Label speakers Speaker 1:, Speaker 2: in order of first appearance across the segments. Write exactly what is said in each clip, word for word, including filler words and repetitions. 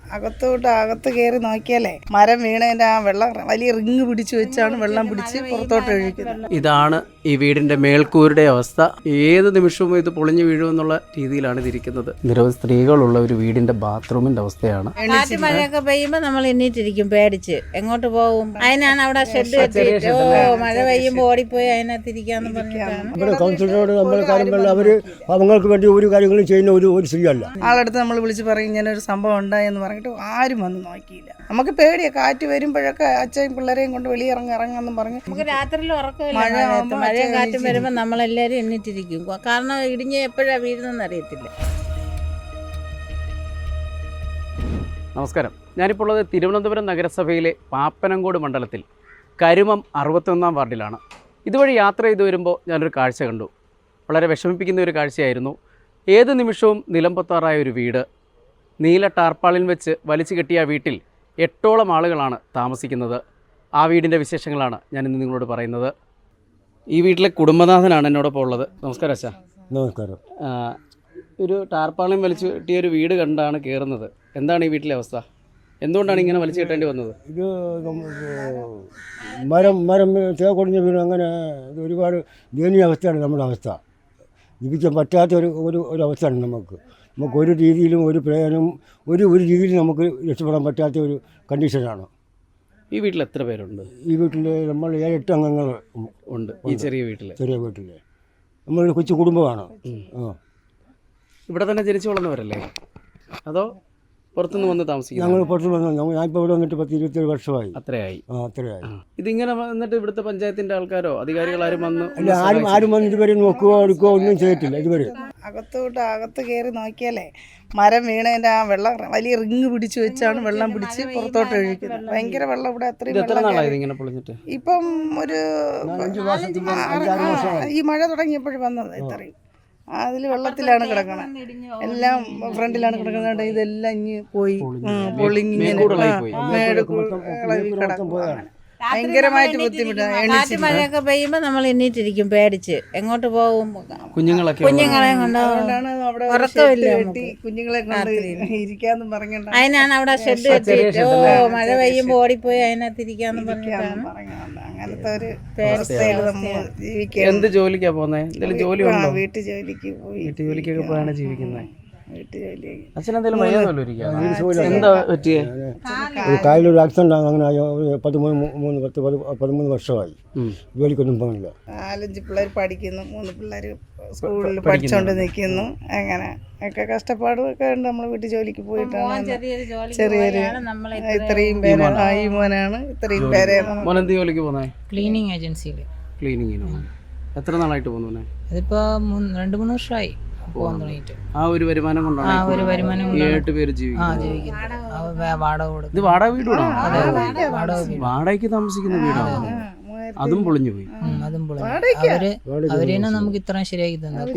Speaker 1: അകത്തോട്ട് അകത്ത് കയറി നോക്കിയാലേ മരം വീണതിൻ്റെ ആ വെള്ളം വലിയ റിങ് പിടിച്ചു വെച്ചാണ് വെള്ളം പിടിച്ച് പുറത്തോട്ട് ഒഴിക്കുന്നത്.
Speaker 2: ഇതാണ് ഈ വീടിന്റെ മേൽക്കൂരുടെ അവസ്ഥ. ഏത് നിമിഷവും ഇത് പൊളിഞ്ഞു വീഴുമെന്നുള്ള രീതിയിലാണ് ഇതിരിക്കുന്നത്. നിരവധി സ്ത്രീകളുള്ള ഒരു വീടിന്റെ ബാത്റൂമിന്റെ അവസ്ഥയാണ്.
Speaker 3: കാറ്റ് മഴയൊക്കെ പെയ്യുമ്പോൾ നമ്മൾ എണ്ണീറ്റിരിക്കും പേടിച്ച്. എങ്ങോട്ട് പോകും? അതിനാണ് അവിടെ ഷെഡ് കെട്ടിയിട്ട് ഓ മഴ പെയ്യുമ്പോൾ ഓടിപ്പോയി അതിനകത്തിരിക്കാന്ന് പറഞ്ഞിട്ടാണ്.
Speaker 4: ഇവിടെ കൗൺസിലറോട് നമ്മൾ കാര്യങ്ങളിൽ അവർ അവങ്ങൾക്ക് വേണ്ടി ഒരു കാര്യങ്ങളും ചെയ്യുന്ന ഒരു ഒരു സ്ത്രീയല്ല.
Speaker 1: ആളടുത്ത് നമ്മൾ വിളിച്ച് പറയും ഇങ്ങനെ ഒരു സംഭവം ഉണ്ടായെന്ന് പറഞ്ഞിട്ട് ആരും വന്ന് നോക്കിയില്ല. നമുക്ക് പേടിയാ, കാറ്റ് വരുമ്പോഴൊക്കെ അച്ഛയും പിള്ളേരെയും കൊണ്ട് വെളിയിറങ്ങി ഇറങ്ങാന്ന് പറഞ്ഞു.
Speaker 3: നമുക്ക് രാത്രിയിൽ ഉറക്കമില്ല. മഴയും കാറ്റും വരുമ്പോൾ നമ്മളെല്ലാവരും എണ്ണിട്ടിരിക്കും. കാരണം ഇടിഞ്ഞ് എപ്പോഴാണ് വീഴുന്നതെന്ന് അറിയത്തില്ല.
Speaker 2: നമസ്കാരം, ഞാനിപ്പോൾ ഉള്ളത് തിരുവനന്തപുരം നഗരസഭയിലെ പാപ്പനംകോട് മണ്ഡലത്തിൽ കരുമം അറുപത്തൊന്നാം വാർഡിലാണ്. ഇതുവഴി യാത്ര ചെയ്തു വരുമ്പോൾ ഞാനൊരു കാഴ്ച കണ്ടു. വളരെ വിഷമിപ്പിക്കുന്ന ഒരു കാഴ്ചയായിരുന്നു. ഏത് നിമിഷവും നിലംപൊത്താറായ ഒരു വീട്. നീല ടാർപ്പാളിൽ വെച്ച് വലിച്ചു കെട്ടിയ വീട്ടിൽ എട്ടോളം ആളുകളാണ് താമസിക്കുന്നത്. ആ വീടിൻ്റെ വിശേഷങ്ങളാണ് ഞാനിന്ന് നിങ്ങളോട് പറയുന്നത്. ഈ വീട്ടിലെ കുടുംബനാഥനാണ് എന്നോടൊപ്പം ഉള്ളത്. നമസ്കാരം അച്ഛാ.
Speaker 4: നമസ്കാരം.
Speaker 2: ഒരു ടാർപ്പാളിൽ വലിച്ചു കെട്ടിയ ഒരു വീട് കണ്ടാണ് കയറുന്നത്. എന്താണ് ഈ വീട്ടിലെ അവസ്ഥ? എന്തുകൊണ്ടാണ് ഇങ്ങനെ വലിച്ചു കെട്ടേണ്ടി വന്നത്?
Speaker 4: ഇത് മരം മരം തേക്കൊടിഞ്ഞ വീട്, അങ്ങനെ ഇത് ഒരുപാട് ദയനീയ അവസ്ഥയാണ് നമ്മുടെ അവസ്ഥ. ജീവിക്കാൻ പറ്റാത്ത ഒരു ഒരു ഒരു അവസ്ഥയാണ് നമുക്ക്. നമുക്ക് ഒരു രീതിയിലും ഒരു പ്രയോജനം ഒരു ഒരു രീതിയിലും നമുക്ക് രക്ഷപ്പെടാൻ പറ്റാത്ത ഒരു കണ്ടീഷനാണ്.
Speaker 2: ഈ വീട്ടിൽ എത്ര പേരുണ്ട്?
Speaker 4: ഈ വീട്ടിൽ നമ്മൾ ഏഴെട്ട് അംഗങ്ങൾ
Speaker 2: ഉണ്ട്. ഈ ചെറിയ വീട്ടിൽ
Speaker 4: ചെറിയ വീട്ടിൽ നമ്മളൊരു കൊച്ചു കുടുംബമാണ്. ആ,
Speaker 2: ഇവിടെ തന്നെ ജനിച്ചു വളർന്നവരല്ലേ, അതോ പുറത്തുനിന്ന് വന്ന് താമസിക്കും?
Speaker 4: ഞങ്ങൾ പുറത്ത് വന്നു. ഞാൻ ഇപ്പോൾ ഇവിടെ വന്നിട്ട് പത്ത് ഇരുപത്തേഴ് വർഷമായി.
Speaker 2: അത്രയായി?
Speaker 4: ആ, അത്രയായി.
Speaker 2: ഇതിങ്ങനെ വന്നിട്ട് ഇവിടുത്തെ പഞ്ചായത്തിന്റെ ആൾക്കാരോ അധികാരികളാരും വന്ന്
Speaker 4: അല്ല, ആരും ആരും വന്ന് ഇതുവരെ നോക്കുകയോ എടുക്കുകയോ ഒന്നും ചെയ്തിട്ടില്ല ഇതുവരെ.
Speaker 1: അകത്തോട്ട് അകത്ത് കയറി നോക്കിയാലേ മരം വീണതിൻ്റെ ആ വെള്ളം വലിയ റിങ് പിടിച്ചു വെച്ചാണ് വെള്ളം പിടിച്ച് പുറത്തോട്ട് ഒഴിക്കുന്നത്. ഭയങ്കര വെള്ളം ഇവിടെ അത്രയും
Speaker 2: എത്ര നാളായത് ഇങ്ങനെ പൊളിഞ്ഞിട്ട്?
Speaker 1: ഇപ്പം ഒരു ഈ മഴ തുടങ്ങിയപ്പോഴും വന്നത് ഇത്രയും അതിൽ വെള്ളത്തിലാണ് കിടക്കണം. എല്ലാം ഫ്രണ്ടിലാണ് കിടക്കുന്നത്. ഇതെല്ലാം ഇഞ്ഞ് പോയി പൊളിങ്ങിങ്ങനെ മേട് കിടക്കും. ഭയങ്കരമായിട്ട് ബുദ്ധിമുട്ടാണ്.
Speaker 3: കാറ്റ് മഴയൊക്കെ പെയ്യുമ്പോൾ നമ്മൾ എണ്ണീറ്റിരിക്കും പേടിച്ച്. എങ്ങോട്ട് പോകും?
Speaker 2: കുഞ്ഞുങ്ങളൊക്കെ
Speaker 3: കുഞ്ഞുങ്ങളെ കൊണ്ട് ഉറക്കമില്ല.
Speaker 1: കുഞ്ഞുങ്ങളെ കൊണ്ട് ഇരിക്കാന്ന് പറഞ്ഞിട്ട്
Speaker 3: അതിനാണ് അവിടെ ഷെഡ് കെട്ടിയിട്ട് ഓ മഴ പെയ്യുമ്പോൾ ഓടിപ്പോയി അതിനകത്തിരിക്കാന്ന് പറഞ്ഞിട്ടാണ്.
Speaker 1: അങ്ങനത്തെ ഒരു അവസ്ഥയിൽ നമ്മൾ ജീവിക്കുക.
Speaker 2: എന്ത് ജോലിക്കാ പോകുന്നത്? എന്തെങ്കിലും ജോലി ഉണ്ടോ?
Speaker 1: വീട്ടു ജോലിക്ക് പോയി
Speaker 2: വീട്ടു ജോലിക്കൊക്കെ പോയാണ് ജീവിക്കുന്നത്.
Speaker 1: വീട്ടു ജോലി
Speaker 2: അച്ഛനെന്തെങ്കിലും എന്താ പറ്റിയേ?
Speaker 4: ഒരു കായലൊരു ആക്സിഡന്റ് ആണ്. അങ്ങനെ പതിമൂന്ന് മൂന്ന് പത്ത് പതിമൂന്ന് വർഷമായി ജോലിക്കൊന്നും പോകുന്നില്ല.
Speaker 1: നാലഞ്ച് പിള്ളേർ പഠിക്കുന്നു, മൂന്ന് പിള്ളേർ സ്കൂളിൽ പഠിച്ചോണ്ട് നിൽക്കുന്നു. അങ്ങനെ ഒക്കെ കഷ്ടപ്പാടുമൊക്കെ ഉണ്ട്. നമ്മൾ വീട്ടു ജോലിക്ക് പോയിട്ടാണ് ചെറിയൊരു ഇത്രയും പേരാണ്. ഈ മോനാണ് ഇത്രയും പേരാണ്.
Speaker 2: മോൻ എന്ത് ജോലിക്ക് പോകുന്നത്?
Speaker 5: ക്ലീനിങ് ഏജൻസിയിൽ.
Speaker 2: ക്ലീനിങ്ങിനോ? എത്ര നാളായിട്ട് പോകുന്നു?
Speaker 5: അതിപ്പോ രണ്ട് മൂന്ന് വർഷമായി പോകാൻ തുടങ്ങിയിട്ട്.
Speaker 2: ആ ഒരു വരുമാനം കൊണ്ടാണ്
Speaker 5: ആ ഒരു വരുമാനം
Speaker 2: ഏഴെട്ട് പേര് ജീവിക്കുന്നത്.
Speaker 5: വാടക കൊടുക്കും.
Speaker 2: ഇത് വാടക വീടാണോ?
Speaker 5: വാടക വീട്.
Speaker 2: വാടകയ്ക്ക് താമസിക്കുന്ന വീടാണ്. അതും പൊളിഞ്ഞു പോയി.
Speaker 5: അതും പൊളിഞ്ഞു. അവര് അവര് തന്നെ നമുക്ക് ഇത്രയും ശരിയാക്കി തന്നത്.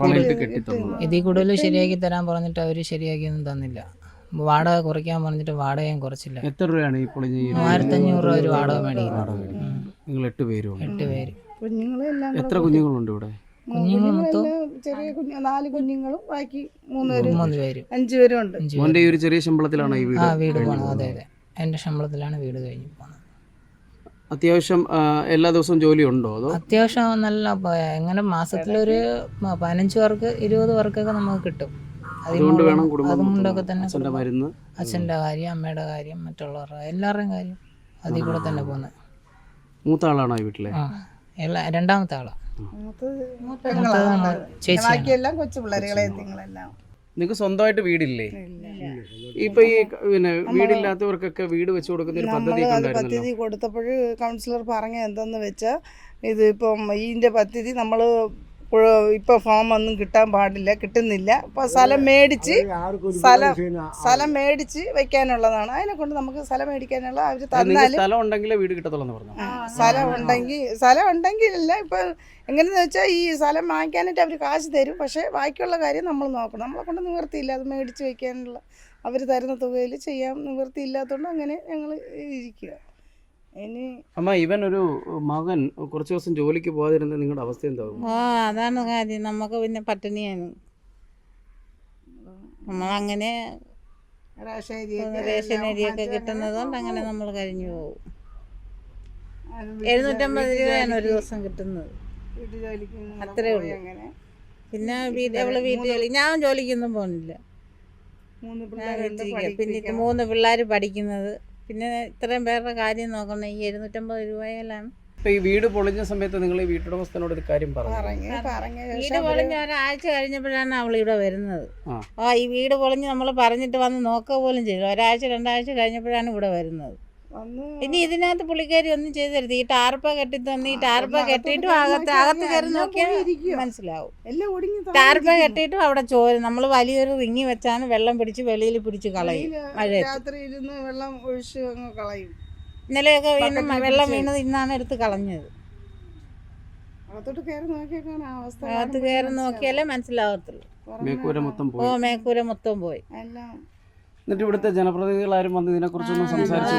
Speaker 5: ഇതിൽ കൂടുതൽ ശരിയാക്കി തരാൻ പറഞ്ഞിട്ട് അവര് ശരിയാക്കിയൊന്നും തന്നില്ല. വാടക കുറയ്ക്കാൻ പറഞ്ഞിട്ട് വാടകയും കുറച്ചില്ല.
Speaker 2: എത്ര രൂപയാണ് ഈ പൊളിഞ്ഞ?
Speaker 5: മൂവായിരത്തി അഞ്ഞൂറ് രൂപ ഒരു വാടക മേടിക്കുന്നത്.
Speaker 2: നിങ്ങൾ എട്ട് പേരും?
Speaker 5: എട്ട് പേര്.
Speaker 1: കുഞ്ഞുങ്ങളെല്ലാം
Speaker 2: എത്ര കുഞ്ഞുങ്ങളുണ്ട് ഇവിടെ?
Speaker 5: കുഞ്ഞുങ്ങൾ മൊത്തം
Speaker 1: ചെറിയ കുഞ്ഞു നാല് കുഞ്ഞുങ്ങളും ബാക്കി മൂന്ന് പേര്
Speaker 5: മൂന്ന് പേര്
Speaker 1: അഞ്ചു പേരും ഉണ്ട്.
Speaker 2: മോന്റെ ഈ ഒരു ചെറിയ ശമ്പളത്തിലാണ് ഈ വീട്?
Speaker 5: ആ വീട് പോണത്. അതെ അതെ, എന്റെ ശമ്പളത്തിലാണ് വീട് കഴിഞ്ഞ് പോകുന്നത്.
Speaker 2: അത്യാവശ്യം എല്ലാ ദിവസവും ജോലി ഉണ്ടോ? അതോ
Speaker 5: അത്യാവശ്യം നല്ല എങ്ങനെ മാസത്തിലൊരു പതിനഞ്ച് പേർക്ക് ഇരുപത് പേർക്കൊക്കെ നമുക്ക് കിട്ടും.
Speaker 2: അതുകൊണ്ട് വേണം കുടുംബം
Speaker 5: അതുകൊണ്ടൊക്കെ തന്നെ
Speaker 2: അച്ഛൻ്റെ മരുന്ന്,
Speaker 5: അച്ഛൻ്റെ കാര്യം, അമ്മയുടെ കാര്യം, മറ്റുള്ളവരുടെ എല്ലാവരുടെയും കാര്യം അതിൽ കൂടെ തന്നെ പോകുന്നത്. മൂത്ത
Speaker 2: ആളാണോ ഈ വീട്ടിലെ?
Speaker 5: ആ എല്ലാ രണ്ടാമത്തെ ആളാണ്.
Speaker 1: ബാക്കിയെല്ലാം കൊച്ചു പിള്ളേരുകളെ നിങ്ങളെല്ലാം.
Speaker 2: നിങ്ങൾക്ക് സ്വന്തമായിട്ട് വീടില്ലേ? ഇപ്പൊ ഈ പിന്നെ വീടില്ലാത്തവർക്കൊക്കെ വീട് വെച്ച് കൊടുക്കുന്ന ഒരു പദ്ധതി
Speaker 1: പദ്ധതി കൊടുത്തപ്പോൾ കൗൺസിലർ പറഞ്ഞ എന്തെന്ന് വെച്ചാൽ ഇത് ഇപ്പം ഇതിന്റെ പദ്ധതി നമ്മൾ ഇപ്പോൾ ഫോം ഒന്നും കിട്ടാൻ പാടില്ല, കിട്ടുന്നില്ല. അപ്പോൾ സ്ഥലം മേടിച്ച് സ്ഥലം സ്ഥലം മേടിച്ച് വെക്കാനുള്ളതാണ്. അതിനെ കൊണ്ട് നമുക്ക് സ്ഥലം മേടിക്കാനുള്ള അവർ തന്നാലും
Speaker 2: സ്ഥലം ഉണ്ടെങ്കിലേ വീട് കിട്ടത്തുള്ളൂ പറഞ്ഞു.
Speaker 1: സ്ഥലം ഉണ്ടെങ്കിൽ സ്ഥലം ഉണ്ടെങ്കിലല്ല ഇപ്പം എങ്ങനെയെന്ന് വെച്ചാൽ ഈ സ്ഥലം വാങ്ങിക്കാനായിട്ട് അവർ കാശ് തരും. പക്ഷേ ബാക്കിയുള്ള കാര്യം നമ്മൾ നോക്കണം. നമ്മളെ കൊണ്ട് നിവൃത്തിയില്ല അത് മേടിച്ച് വെക്കാനുള്ള. അവർ തരുന്ന തുകയിൽ ചെയ്യാൻ നിവൃത്തിയില്ലാത്തതുകൊണ്ട് അങ്ങനെ ഞങ്ങൾ ഇരിക്കുക. ഇനി
Speaker 2: അമ്മ, ഇവൻ ഒരു മകൻ കുറച്ച് ദിവസം ജോലിക്ക് പോകാതിരുന്ന നിങ്ങളുടെ അവസ്ഥ എന്താവും?
Speaker 3: ഓ അതാണ് കാര്യം. നമുക്ക് പിന്നെ പട്ടിണിയാണ്. നമ്മളങ്ങനെ
Speaker 1: റേഷൻ അരിയൊക്കെ
Speaker 3: റേഷൻ അരിയൊക്കെ കിട്ടുന്നത് കൊണ്ട് അങ്ങനെ നമ്മൾ കഴിഞ്ഞു പോകും. എഴുന്നൂറ്റമ്പത് രൂപയാണ് ഒരു ദിവസം കിട്ടുന്നത്. അത്രേ ഉള്ളൂ.
Speaker 1: അങ്ങനെ
Speaker 3: പിന്നെ വീട് അവള് വീട്ടിൽ ജോലി, ഞാൻ ജോലിക്കൊന്നും പോകുന്നില്ല.
Speaker 1: മൂന്ന്
Speaker 3: ഞാൻ
Speaker 1: പിള്ളേരുണ്ട്
Speaker 3: വീട്ടിലിരിക്കുക. പിന്നെ ഇത് മൂന്ന് പിള്ളേർ പഠിക്കുന്നത്, പിന്നെ ഇത്രയും പേരുടെ കാര്യം നോക്കണം. ഈ എഴുന്നൂറ്റമ്പത് രൂപയിലാണ്.
Speaker 2: ഇപ്പോൾ ഈ വീട് പൊളിഞ്ഞ സമയത്ത് നിങ്ങൾ ഈ വീട്ടുടമസ്ഥനോട് ഒരു കാര്യം പറഞ്ഞു?
Speaker 1: പറഞ്ഞ് പറഞ്ഞ
Speaker 3: വീട് പൊളിഞ്ഞ് ഒരാഴ്ച കഴിഞ്ഞപ്പോഴാണ് അവൾ ഇവിടെ വരുന്നത്.
Speaker 2: ആ.
Speaker 3: ആ ഈ വീട് പൊളിഞ്ഞ് നമ്മൾ പറഞ്ഞിട്ട് വന്ന് നോക്കുക പോലും ചെയ്തു. ഒരാഴ്ച രണ്ടാഴ്ച കഴിഞ്ഞപ്പോഴാണ് ഇവിടെ വരുന്നത്.
Speaker 1: വന്ന്
Speaker 3: ഇനി ഇതിനകത്ത് പുള്ളിക്കാരി ഒന്നും ചെയ്തു തരുത്. ഈ ടാർപ്പ കെട്ടി തന്ന് ഈ ടാർപ്പ കെട്ടിയിട്ടും അകത്ത് അകത്ത് കയറി നോക്കിയാൽ മനസ്സിലാവും.
Speaker 1: എല്ലാം ഒടുങ്ങി
Speaker 3: ടാർപ്പ കെട്ടിയിട്ടും അവിടെ ചോര, നമ്മൾ വലിയൊരു റിങ്ങി വെച്ചാണ് വെള്ളം പിടിച്ച് വെളിയിൽ പിടിച്ച് കളയും. മഴയത്ത്
Speaker 1: രാത്രി ഇരുന്ന് വെള്ളം ഒഴിച്ച് അങ്ങ് കളയും.
Speaker 3: ഇന്നലെയൊക്കെ വീണ് വെള്ളം വീണത് ഇന്നാണ് എടുത്ത് കളഞ്ഞത്.
Speaker 1: അകത്തോട്ട് കയറി നോക്കിയാൽ കാണാം അവസ്ഥ.
Speaker 3: അകത്ത് കയറി നോക്കിയാലേ മനസ്സിലാവത്തുള്ളൂ.
Speaker 2: മേക്കൂര മൊത്തം
Speaker 3: ഓ
Speaker 2: പോയി.
Speaker 3: മേക്കൂര മൊത്തം പോയി.
Speaker 1: എല്ലാം
Speaker 2: എന്നിട്ട് ഇവിടുത്തെ ജനപ്രതിനിധികൾ ആരും വന്ന് ഇതിനെക്കുറിച്ചൊന്നും സംസാരിച്ചു?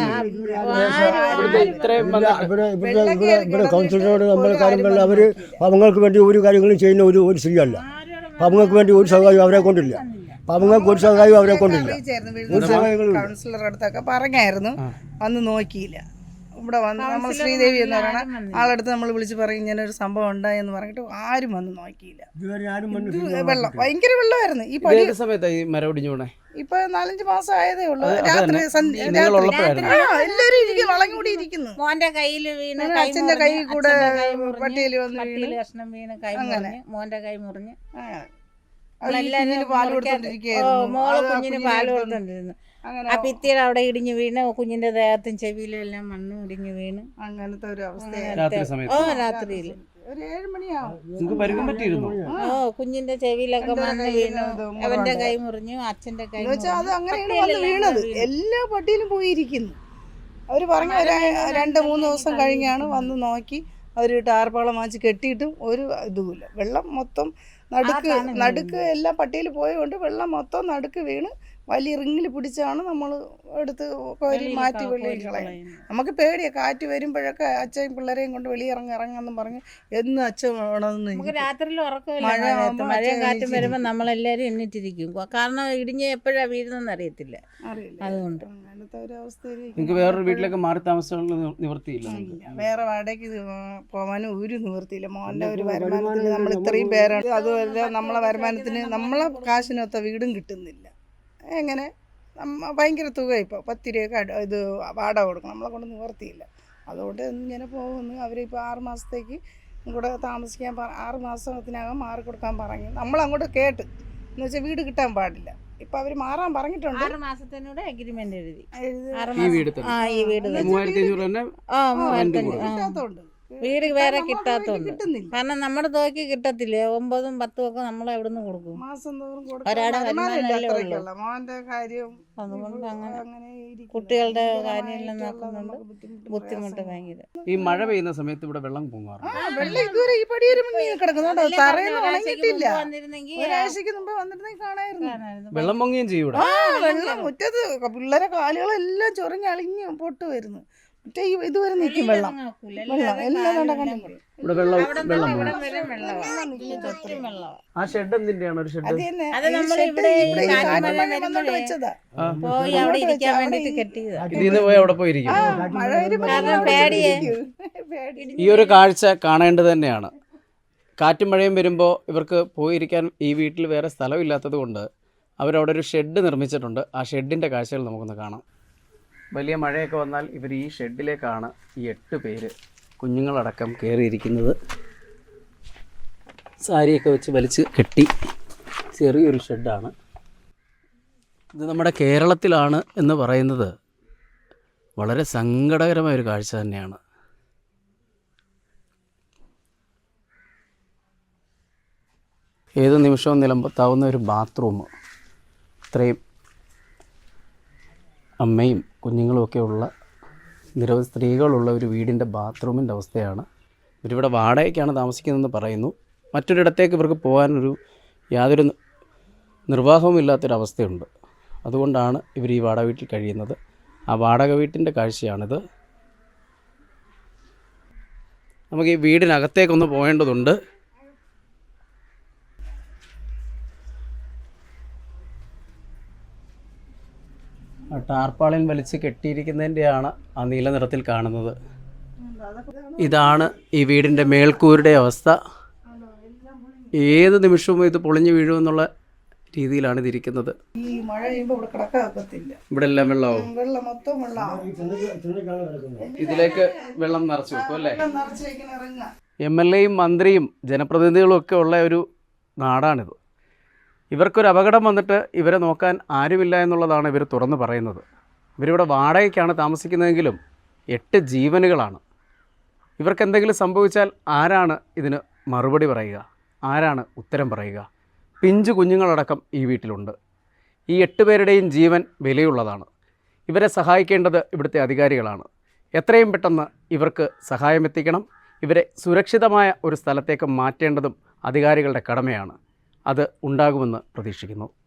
Speaker 3: ആരും
Speaker 2: ഇത്രയും
Speaker 4: ഇല്ല, ഇവിടെ ഇവിടെ ഇവിടെ ഇവിടെ കൗൺസിലറോട് നമ്മൾ കാര്യം പറഞ്ഞാൽ അവർ പാവങ്ങൾക്ക് വേണ്ടി ഒരു കാര്യങ്ങളും ചെയ്യുന്ന ഒരു ഒരു സ്ത്രീയല്ല. പാവങ്ങൾക്ക് വേണ്ടി ഒരു സഹായം അവരെ കൊണ്ടില്ല. പാവങ്ങൾക്ക് ഒരു സഹായം അവരെ കൊണ്ടില്ല. ഒരു സഹായങ്ങളും
Speaker 1: കൗൺസിലർ അടുത്തൊക്കെ പറഞ്ഞായിരുന്നു, വന്ന് നോക്കിയില്ല. ഇവിടെ വന്ന് നമ്മൾ ശ്രീദേവി എന്ന് പറയുന്ന ആളടുത്ത് നമ്മൾ വിളിച്ച് പറയും ഇങ്ങനെ ഒരു സംഭവം ഉണ്ടായെന്ന് പറഞ്ഞിട്ട് ആരും വന്ന് നോക്കിയില്ല.
Speaker 4: ഇതുവരെ ആരും
Speaker 1: ഇത്
Speaker 4: വന്നിട്ടില്ല.
Speaker 1: വെള്ളം ഭയങ്കര വെള്ളമായിരുന്നു. ഈ പടി
Speaker 2: ഏത് സമയത്താണ് ഈ മരം ഒടിഞ്ഞു പോണേ?
Speaker 1: ഇപ്പൊ നാലഞ്ച് മാസം ആയതേ ഉള്ളൂ.
Speaker 2: അത്
Speaker 1: രാത്രി
Speaker 2: തന്നെ.
Speaker 1: സന്ധ്യ-
Speaker 2: നിങ്ങൾ
Speaker 1: രാത്രി
Speaker 2: ഉള്ളപ്പോഴായിരുന്നു.
Speaker 1: ആ, എല്ലാവരും ഇരിക്കും, വളഞ്ഞു കൂടി ഇരിക്കുന്നു.
Speaker 3: മോന്റെ കയ്യിൽ വീണ്
Speaker 1: അങ്ങനെ
Speaker 3: കൈ
Speaker 1: അച്ഛന്റെ
Speaker 3: മുറിഞ്ഞ്,
Speaker 1: കൈ കൂടെ
Speaker 3: അച്ഛന്റെ കൈ മുറിഞ്ഞ്,
Speaker 1: പട്ടിയിൽ വന്ന്
Speaker 3: പട്ടിയിൽ
Speaker 1: വീണ്
Speaker 3: കഷ്ണം വീണ് കൈ
Speaker 1: അങ്ങനെ.
Speaker 3: മുറിഞ്ഞ്, മോന്റെ കൈ മുറിഞ്ഞ്.
Speaker 1: ആ.
Speaker 3: നമ്മളെല്ലാരും
Speaker 1: കുഞ്ഞിന് പാല്
Speaker 3: മുറിക്കാതെ- ഓ,
Speaker 1: കൊടുത്തോണ്ടിരിക്കുകയായിരുന്നു.
Speaker 3: മോള്
Speaker 1: അത് ആ
Speaker 3: കുഞ്ഞിന്
Speaker 1: കുഞ്ഞിനെ
Speaker 3: പാല്
Speaker 1: എടുത്തോണ്ട്
Speaker 3: കൊടുത്തോണ്ടിരുന്നു.
Speaker 1: അങ്ങനെ
Speaker 3: ആ ഭിത്തിയുടെ അവിടെ ഇടിഞ്ഞ് വീണ് കുഞ്ഞിന്റെ ദേഹത്തും ചെവിയിലും എല്ലാം മണ്ണ് ഇടിഞ്ഞ് വീണ്.
Speaker 1: അങ്ങനത്തെ ഒരു അവസ്ഥ.
Speaker 2: രാത്രി
Speaker 3: ഓ
Speaker 2: സമയത്ത്
Speaker 3: രാത്രിയിൽ
Speaker 1: ഒരു ഏഴ് മണിയാവും.
Speaker 2: നിങ്ങൾക്ക് പരുക്കം പറ്റിയിരുന്നു?
Speaker 3: ഓ കുഞ്ഞിന്റെ ചെവിയിലൊക്കെ മണ്ണ് വീണു. അവന്റെ കൈ മുറിഞ്ഞു, അച്ഛന്റെ കൈ
Speaker 1: എന്ന് വെച്ചാൽ അത്
Speaker 3: മുറിഞ്ഞു.
Speaker 1: അങ്ങനെയാണ് വന്ന് വീണത്. എല്ലാ പട്ടിയിലും പോയിരിക്കുന്നു. അവർ പറഞ്ഞ ഒരു രണ്ട് മൂന്ന് ദിവസം കഴിഞ്ഞാണ് വന്ന് നോക്കി അവർ ടാർപ്പാളം വാങ്ങിച്ച് കെട്ടിയിട്ടും ഒരു ഇതുമില്ല. വെള്ളം മൊത്തം നടുക്ക് നടുക്ക് എല്ലാ പട്ടിയിൽ പോയതുകൊണ്ട് വെള്ളം മൊത്തം നടുക്ക് വീണ് വലിയ റിങ്ങിൽ പിടിച്ചാണ് നമ്മൾ എടുത്ത് കോരി മാറ്റി വെളിയിൽ കളയും. നമുക്ക് പേടിയാണ്. കാറ്റ് വരുമ്പോഴൊക്കെ അച്ഛൻ പിള്ളേരെയും കൊണ്ട് വെളിയിറങ്ങി ഇറങ്ങാന്നും പറഞ്ഞ് എന്ന് അച്ഛൻ വേണമെന്ന്
Speaker 3: നമുക്ക് രാത്രിയിൽ ഉറക്കമില്ല.
Speaker 1: മഴ
Speaker 3: മഴയത്ത്
Speaker 1: ആവുമ്പോ
Speaker 3: മഴയും
Speaker 1: അച്ഛൻ
Speaker 3: കാറ്റും വരുമ്പോൾ നമ്മളെല്ലാവരും എണ്ണിട്ടിരിക്കും. കാരണം ഇടിഞ്ഞ് എപ്പോഴാണ് വീഴുന്നതെന്ന് അറിയത്തില്ല.
Speaker 1: അറിയില്ല.
Speaker 3: അതുകൊണ്ട്
Speaker 1: അങ്ങനത്തെ ഒരു അവസ്ഥയിൽ
Speaker 2: നിങ്ങൾക്ക് വേറൊരു വീട്ടിലേക്ക് മാറി താമസിക്കാനുള്ള നിവൃത്തിയില്ല?
Speaker 1: വേറെ വാടകയ്ക്ക് ഇത് പോകാനും ഒരു നിവൃത്തിയില്ല. മോൻ്റെ ഒരു വരുമാനത്തിന് നമ്മൾ ഇത്രയും പേരാണ്. അതുമല്ല നമ്മളെ വരുമാനത്തിന് നമ്മളെ കാശിനൊത്ത വീടും കിട്ടുന്നില്ല. എങ്ങനെ നമ്മ ഭയങ്കര തുക ഇപ്പോൾ പത്ത് രൂപയൊക്കെ അട ഇത് വാടക കൊടുക്കണം. നമ്മളെ കൊണ്ട് നിവർത്തിയില്ല. അതുകൊണ്ട് ഇങ്ങനെ പോകുന്നു. അവരിപ്പോൾ ആറ് മാസത്തേക്ക് കൂടെ താമസിക്കാൻ പറ ആറ് മാസത്തിനകം മാറി കൊടുക്കാൻ പറഞ്ഞു. നമ്മളങ്ങോട്ട് കേട്ട് എന്ന് വെച്ചാൽ വീട് കിട്ടാൻ പാടില്ല. ഇപ്പം അവർ മാറാൻ പറഞ്ഞിട്ടുണ്ട്.
Speaker 3: ആറ് മാസത്തിനൂടെ അഗ്രിമെന്റ് എഴുതി.
Speaker 1: എഴുതി
Speaker 3: ആറ്
Speaker 2: ഈ
Speaker 3: മാസം.
Speaker 2: വീട്
Speaker 3: ആ ഈ വീട് തന്നെ.
Speaker 2: മൂവായിരത്തി അഞ്ഞൂറ് തന്നെ
Speaker 3: ആ മൂവായിരത്തി അഞ്ഞൂറ്. ആ.
Speaker 1: കിട്ടാത്തതുകൊണ്ട്
Speaker 3: വീട് വേറെ
Speaker 1: നമുക്ക്
Speaker 3: കിട്ടാത്തതുണ്ട്.
Speaker 1: കിട്ടുന്നില്ല.
Speaker 3: കാരണം നമ്മുടെ തുകയ്ക്ക് കിട്ടത്തില്ലേ. ഒമ്പതും പത്തും ഒക്കെ നമ്മൾ എവിടുന്ന് കൊടുക്കും.
Speaker 1: മാസം തോറും
Speaker 3: ഒരാടെ
Speaker 1: കൊടുക്കാൻ
Speaker 3: വരുമാനമല്ലേ
Speaker 1: വരുമാനമില്ല.
Speaker 3: ഉള്ളൂ.
Speaker 1: അത്രയ്ക്കുള്ള മോൻ്റെ കാര്യം
Speaker 3: അതുകൊണ്ട് അങ്ങനെ
Speaker 1: അങ്ങനെ ഇരിക്കുന്നു.
Speaker 3: കുട്ടികളുടെ
Speaker 1: ഭയങ്കരമായിട്ടുള്ള
Speaker 3: കാര്യമെല്ലാം നോക്കുന്നുണ്ട്.
Speaker 1: നമുക്ക് ബുദ്ധിമുട്ടും
Speaker 3: ബുദ്ധിമുട്ട്
Speaker 1: പ്രയാസങ്ങളും.
Speaker 3: ഭയങ്കര.
Speaker 2: ഈ മഴ പെയ്യുന്ന സമയത്ത് ഇവിടെ വെള്ളം പൊങ്ങാറുണ്ട്.
Speaker 1: ആ, വെള്ളം ഇതുവരെ ഈ പടിയൊരു മുങ്ങി കിടക്കുന്നുണ്ടോ? തറയൊന്നും
Speaker 3: ഒരാഴ്ചയ്ക്ക്
Speaker 1: ഉണങ്ങിയിട്ടില്ല.
Speaker 3: മുമ്പ് വന്നിരുന്നെങ്കിൽ
Speaker 1: ഒരാഴ്ചക്ക് മുമ്പ് വന്നിരുന്നെങ്കിൽ കാണായിരുന്നു.
Speaker 3: കാണാമായിരുന്നു.
Speaker 2: വെള്ളം പൊങ്ങുകയും ചെയ്യും ഇവിടെ.
Speaker 1: ആ, വെള്ളം മുറ്റത്ത് പിള്ളേരെ കാലുകളെല്ലാം ചൊറിഞ്ഞ് അളിഞ്ഞ് പൊട്ട് വരുന്നു. മറ്റേ ഈ ഇതുവരെ നിൽക്കും വെള്ളം.
Speaker 3: നോക്കൂല.
Speaker 1: വെള്ളം എല്ലാം കണ്ട കണ്ടു.
Speaker 2: ഇവിടെ വെള്ളം വെള്ളം
Speaker 3: ഇവിടെ
Speaker 2: പൊങ്ങും.
Speaker 3: വരെ വെള്ളമാണ്. ചുറ്റും വെള്ളമാണ്.
Speaker 2: ആ ഷെഡ് എന്തിന്റെയാണ്? ഒരു ഷെഡ്
Speaker 1: അത് തന്നെ
Speaker 3: അത്
Speaker 1: ഈ
Speaker 3: നമ്മൾ
Speaker 1: ഷെഡ്
Speaker 3: ഇവിടെ ഈ
Speaker 1: ഇവിടെ ഈ
Speaker 3: കാറ്റ്
Speaker 1: കാറ്റ്
Speaker 3: മഴ
Speaker 1: മഴ
Speaker 3: വരുമ്പോഴേ
Speaker 1: വന്നോണ്ട് വെച്ചതാ.
Speaker 3: പോയി അവിടെ ഇരിക്കാൻ വേണ്ടിട്ട് കെട്ടിയതാ.
Speaker 2: ഇതിൽ നിന്ന് പോയി അവിടെ പോയിരിക്കും.
Speaker 1: ആ, മഴ വരുമ്പോ
Speaker 3: കാരണം
Speaker 1: അവിടെ
Speaker 3: പേടിയേ.
Speaker 1: ഇരിക്കും. പേടി.
Speaker 2: ഈ ഒരു കാഴ്ച കാണേണ്ടത് തന്നെയാണ്. കാറ്റും മഴയും വരുമ്പോൾ ഇവർക്ക് പോയിരിക്കാൻ ഈ വീട്ടിൽ വേറെ സ്ഥലമില്ലാത്തത് കൊണ്ട് അവരവിടെ ഒരു ഷെഡ് നിർമ്മിച്ചിട്ടുണ്ട്. ആ ഷെഡിൻ്റെ കാഴ്ചകൾ നമുക്കൊന്ന് കാണാം. വലിയ മഴയൊക്കെ വന്നാൽ ഇവർ ഈ ഷെഡിലേക്കാണ് ഈ എട്ട് പേര് കുഞ്ഞുങ്ങളടക്കം കയറിയിരിക്കുന്നത്. സാരിയൊക്കെ വെച്ച് വലിച്ച് കെട്ടി ചെറിയൊരു ഷെഡാണ് ഇത്. നമ്മുടെ കേരളത്തിലാണ് എന്ന് പറയുന്നത് വളരെ സങ്കടകരമായൊരു കാഴ്ച തന്നെയാണ്. ഏത് നിമിഷവും നിലമ്പത്താവുന്ന ഒരു ബാത്റൂം, ഇത്രയും അമ്മയും കുഞ്ഞുങ്ങളുമൊക്കെ ഉള്ള നിരവധി സ്ത്രീകളുള്ള ഒരു വീടിൻ്റെ ബാത്റൂമിൻ്റെ അവസ്ഥയാണ്. ഇവരിവിടെ വാടകയ്ക്കാണ് താമസിക്കുന്നതെന്ന് പറയുന്നു. മറ്റൊരിടത്തേക്ക് ഇവർക്ക് പോകാനൊരു യാതൊരു നിർവാഹവുമില്ലാത്തൊരവസ്ഥയുണ്ട്. അതുകൊണ്ടാണ് ഇവർ ഈ വാടക വീട്ടിൽ കഴിയുന്നത്. ആ വാടക വീട്ടിൻ്റെ കാഴ്ചയാണിത്. നമുക്ക് ഈ വീടിനകത്തേക്കൊന്ന് പോകേണ്ടതുണ്ട്. ആ ടാർപ്പാളിൻ വലിച്ച് കെട്ടിയിരിക്കുന്നതിൻ്റെയാണ് ആ നീല നിറത്തിൽ കാണുന്നത്. ഇതാണ് ഈ വീടിൻ്റെ മേൽക്കൂരുടെ അവസ്ഥ. ഏത് നിമിഷവും ഇത് പൊളിഞ്ഞു വീഴുമെന്നുള്ള രീതിയിലാണ് ഇതിരിക്കുന്നത്.
Speaker 1: ഈ മഴ പെയ്യുമ്പോൾ ഇവിടെ കിടക്കാക്കത്തില്ല.
Speaker 2: ഇവിടെ എല്ലാം വെള്ളമാവും.
Speaker 1: വെള്ളം മൊത്തം വെള്ളമാവും.
Speaker 2: ഇതിലേക്ക് വെള്ളം നിറച്ചു വെക്കും അല്ലേ?
Speaker 1: നിറച്ചേക്കുന്ന ഇറങ്ങുക.
Speaker 2: എം എൽ എയും മന്ത്രിയും ജനപ്രതിനിധികളും ഒക്കെ ഉള്ള ഒരു നാടാണിത്. ഇവർക്കൊരു അപകടം വന്നിട്ട് ഇവരെ നോക്കാൻ ആരുമില്ല എന്നുള്ളതാണ് ഇവർ തുറന്നു പറയുന്നത്. ഇവരിവിടെ വാടകയ്ക്കാണ് താമസിക്കുന്നതെങ്കിലും എട്ട് ജീവനുകളാണ്. ഇവർക്ക് എന്തെങ്കിലും സംഭവിച്ചാൽ ആരാണ് ഇതിന് മറുപടി പറയുക? ആരാണ് ഉത്തരം പറയുക? പിഞ്ചു കുഞ്ഞുങ്ങളടക്കം ഈ വീട്ടിലുണ്ട്. ഈ എട്ട് പേരുടെയും ജീവൻ വിലയുള്ളതാണ്. ഇവരെ സഹായിക്കേണ്ടത് ഇവിടുത്തെ അധികാരികളാണ്. എത്രയും പെട്ടെന്ന് ഇവർക്ക് സഹായം എത്തിക്കണം. ഇവരെ സുരക്ഷിതമായ ഒരു സ്ഥലത്തേക്ക് മാറ്റേണ്ടതും അധികാരികളുടെ കടമയാണ്. അത് ഉണ്ടാകുമെന്ന് പ്രതീക്ഷിക്കുന്നു.